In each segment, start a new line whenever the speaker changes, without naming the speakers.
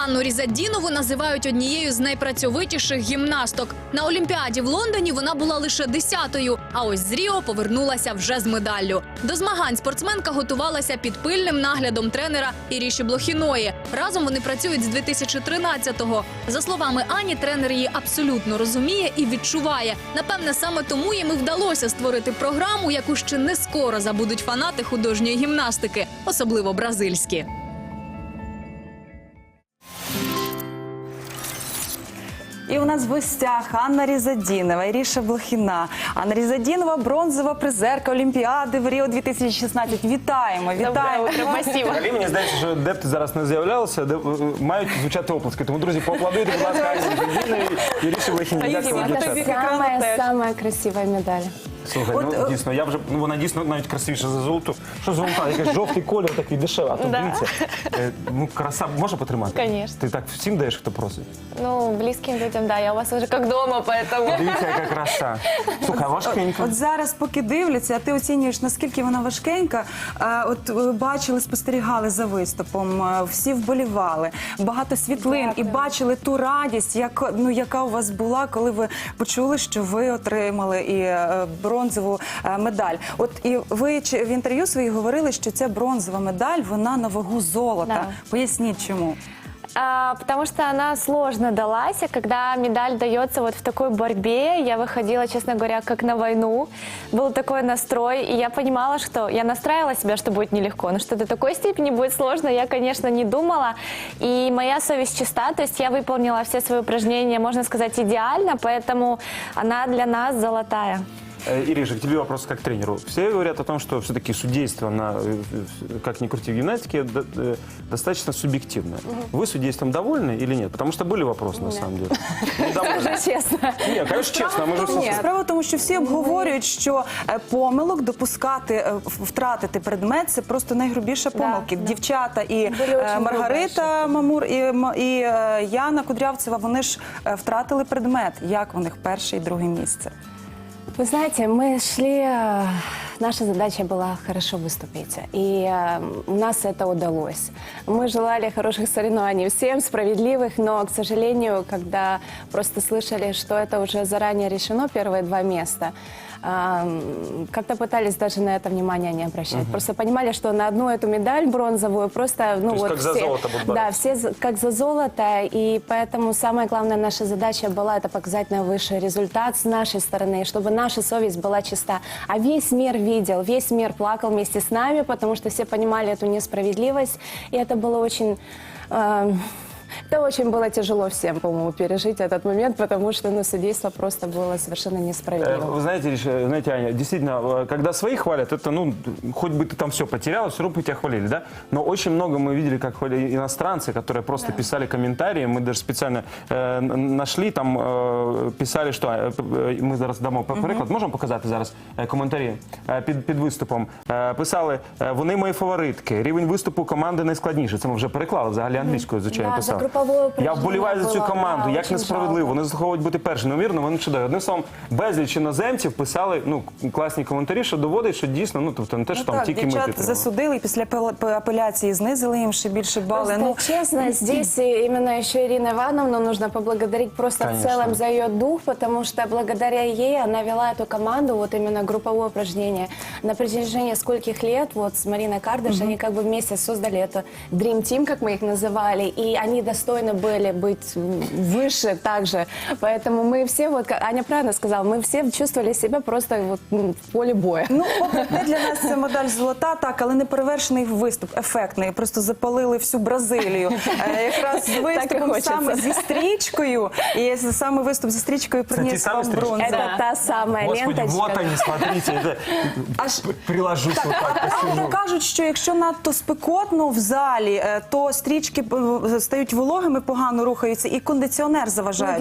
Анну Різадінову називають однією з найпрацьовитіших гімнасток. На Олімпіаді в Лондоні вона була лише 10-ю, а ось з Ріо повернулася вже з медаллю. До змагань спортсменка готувалася під пильним наглядом тренера Іріші Блохіної. Разом вони працюють з 2013-го. За словами Ані, тренер її абсолютно розуміє і відчуває. Напевне, саме тому їм і вдалося створити програму, яку ще не скоро забудуть фанати художньої гімнастики, особливо бразильські.
І у нас в гостях Анна Різадінова, Іріша Блохіна. Анна Різадінова – бронзова призерка Олімпіади в Ріо 2016. Вітаємо, вітаємо.
Взагалі, мені здається, що де б ти зараз не з'являлася, мають звучати оплески. Тому, друзі, поаплодуйте, будь ласка, Анні Різадіновій і Іріші Блохіні.
Самая красивая медаль.
Слухай, ну дійсно, вона дійсно навіть красивіша за золоту. Що золота? Якийсь жовтий колір такий дешевий, а то дивіться. Ну, краса може потримати?
Конечно.
Ти так всім даєш, хто просить?
Ну, близким людям, да, я у вас уже как дома, поэтому...
Дивіться, яка краса. Слухай, важкенька.
От зараз, поки дивляться, а ти оцінюєш, наскільки вона важкенька. От бачили, спостерігали за виступом, всі вболівали, багато світлин і бачили ту радість, яка у вас була, коли ви почули, що ви отримали і бронзову медаль. От і ви в інтерв'ю своїх говорили, що ця бронзова медаль, вона на вагу золота.
Да.
Поясніть, чому?
Потому что она сложно далась, и когда медаль дается вот в такой борьбе, я выходила, честно говоря, как на войну. Был такой настрой, и я понимала, что я настраивала себя, что будет нелегко, но что до такой степени будет сложно, я, конечно, не думала. И моя совесть чиста, то есть я выполнила все свои упражнения, можно сказать, идеально, поэтому она для нас золотая.
Ириша, к тебе вопрос как к тренеру. Все говорят о том, что все-таки судейство, как ни крути в гимнастике, достаточно субъективное. Вы судейством довольны или нет? Потому что были вопросы, на самом деле.
Скажи честно.
Нет, конечно, честно. Мы же все...
Справа в тому, що всі обговорюють, що помилок допускати, втратити предмет – це просто найгрубіша помилки. Дівчата і Маргарита Мамур, і Яна Кудрявцева, вони ж втратили предмет. Як у них перше і друге місце?
Вы знаете, мы шли, наша задача была хорошо выступить, и у нас это удалось. Мы желали хороших соревнований всем, справедливых, но, к сожалению, когда просто слышали, что это уже заранее решено, первые 2 места, как-то пытались даже на это внимание не обращать. Просто понимали, что на одну эту медаль бронзовую просто... Ну,
то есть
вот
как
все,
за золото будут бороться.
Да, все как за золото, и поэтому самая главная наша задача была это показать наивысший результат с нашей стороны, чтобы наша совесть была чиста. А весь мир видел, весь мир плакал вместе с нами, потому что все понимали эту несправедливость, и это было очень... Это очень было тяжело всем, по-моему, пережить этот момент, потому что судейство просто было совершенно несправедливо.
Вы знаете, Аня, действительно, когда своих хвалят, это, ну, хоть бы ты там все потеряла, все равно бы тебя хвалили, да? Но очень много мы видели, как хвалили иностранцы, которые просто писали комментарии, мы даже специально нашли, там писали, что мы зараз дамо приклад, можемо показати зараз коментарі під виступом. Писали, вони мої фаворитки, рівень виступу команди найскладніший. Це ми вже переклали, взагалі англійською, звичайно, писали. Я вболіваю за цю команду, як несправедливо, вони заслуговують бути першими, невірно, вони чудові. Одним словом, безліч іноземців писали, ну, класні коментарі, що доводить, що дійсно, ну, тобто не те, що там тільки ми підтримали.
Дівчат засудили, і після апеляції знизили їм ще більше бали.
Просто, честно, здесь именно еще Ирину Ивановну нужно поблагодарить просто в целом за ее дух, потому что благодаря ей она вела эту команду, вот именно групповое упражнение. На протяжении скольких лет, вот с Мариной Кардаш, они как бы вместе создали это Dream Team, как мы их называли, и они достойны были быть выше также. Поэтому мы все, вот Аня правильно сказала, мы все чувствовали себя просто вот в поле боя.
Ну, не для нас це медаль золота, так, але неперевершений виступ, ефектний. Просто запалили всю Бразилію. Якраз з виступом саме зі стрічкою, і саме виступ зі стрічкою приніс вам бронзу.
Это та самая ленточка.
Господи, вот они, смотрите, аж приложусь вот так.
Але кажуть, що якщо надто спекотно в залі, то стрічки стають вологими, погано рухаються, і кондиціонер заважає.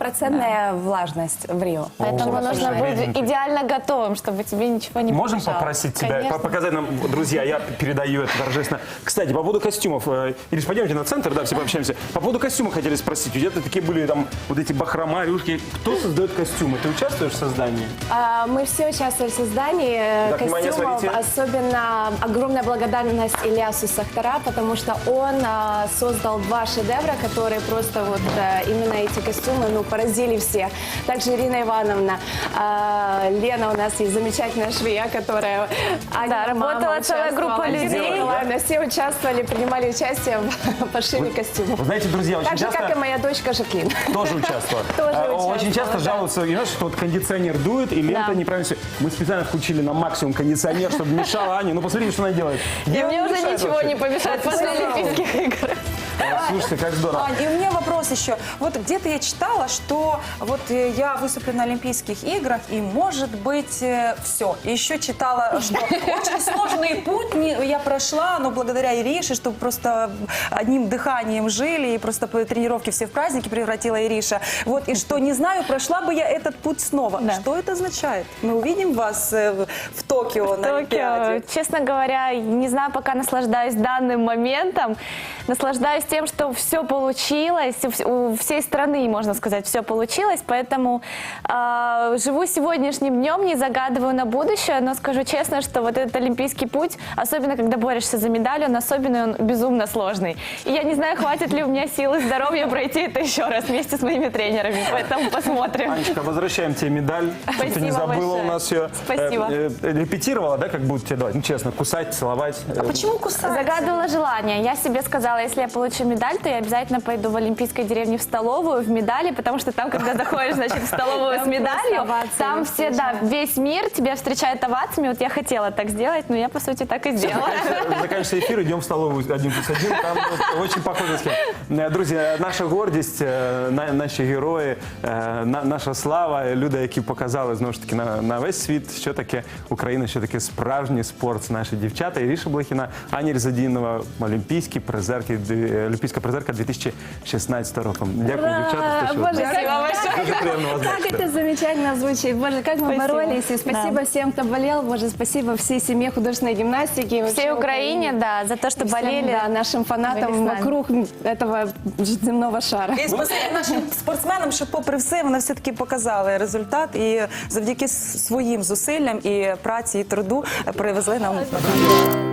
90% влажность в Рио. Поэтому нужно быть идеально готовым, чтобы тебе ничего не помешало.
Можем попросить тебя, показать нам, друзья, я передаю это торжественно. Кстати, по поводу костюмов, Ириш, пойдемте на центр, да, все пообщаемся. По поводу костюма хотели спросить, где-то такие были там вот эти бахрома, рюшки. Кто создает костюмы? Ты участвуешь в создании?
Мы все участвовали в создании костюмов. Особенно огромная благодарность Ильясу Сахтара, потому что он создал 2 шедевра, которые просто вот именно эти костюмы, ну, поразили всех. Также Ирина Ивановна, Лена у нас есть замечательная швея, которая...
Да, работала целая группа людей.
Все участвовали, принимали участие в пошиве костюмов.
Вы знаете, друзья, очень
Так же,
часто...
как и моя дочка Жаклин.
Тоже участвовала.
Тоже
Очень
участвовала,
часто
да.
жалуются, знаешь, что вот кондиционер дует, и лента
Да.
неправильно все. Мы специально включили на максимум кондиционер, чтобы мешало Ане. Ну, посмотрите, что она делает.
И мне уже ничего не помешает после Олимпийских игр.
Слушайте, как здорово.
Ань, и у меня вопрос еще. Вот где-то я читала, что вот я выступлю на Олимпийских играх, и может быть все. И еще читала, что очень сложный путь я прошла, но благодаря Ирише, что просто одним дыханием жили, и просто по тренировке все в праздники превратила Ириша. Вот, и что, не знаю, прошла бы я этот путь снова.
Да.
Что это означает? Мы увидим вас в Токио на Олимпиаде?
Токио. Честно говоря, не знаю, пока наслаждаюсь данным моментом. Наслаждаюсь тем, что все получилось. У всей страны, можно сказать, все получилось. Поэтому живу сегодняшним днем, не загадываю на будущее. Но скажу честно, что вот этот олимпийский путь, особенно когда борешься за медаль, он особенный, он безумно сложный. И я не знаю, хватит ли у меня сил и здоровья пройти это еще раз вместе с моими тренерами. Поэтому посмотрим.
Анечка, возвращаем тебе медаль. Чтобы ты не
Спасибо
забыла
большое.
у нас ее.
Спасибо.
Репетировала, да, как будут тебе давать? Ну, честно, кусать, целовать.
А почему кусать?
Загадывала желание. Я себе сказала, если я получу медаль, то я обязательно пойду в Олимпийской деревне в столовую в медали, потому что там, когда заходишь, значит, в столовую с медалью, там все, да, весь мир тебя встречает овациями. Вот я хотела так сделать, но я, по сути, так и сделала.
Заканчивается эфир, идем в столовую 1+1. Там вот очень похожа схема. Друзі, наша гордість, наші герої, наша слава, люди, які показали, знову ж таки, на весь світ, що таке Україна, що таке справжній спорт. Це наші дівчата. Іріша Блохіна, Аня Різадінова, олімпійська призерка 2016 року. Дякую, дівчата. що
Боже,
Дуже приємно вас
как
бачити.
это замечательно звучит. Боже, как мы боролись. И спасибо всем, кто болел. Боже, спасибо всей семье художественной гимнастики. и вообще
Всей Украине, да, за то, что
Всем,
болели.
да, нашим фанатам
Были с нами.
вокруг этого земного шара.
І спасибі нашим спортсменам, що попри все вони все-таки показали результат і завдяки своїм зусиллям і праці, і труду привезли нам медаль.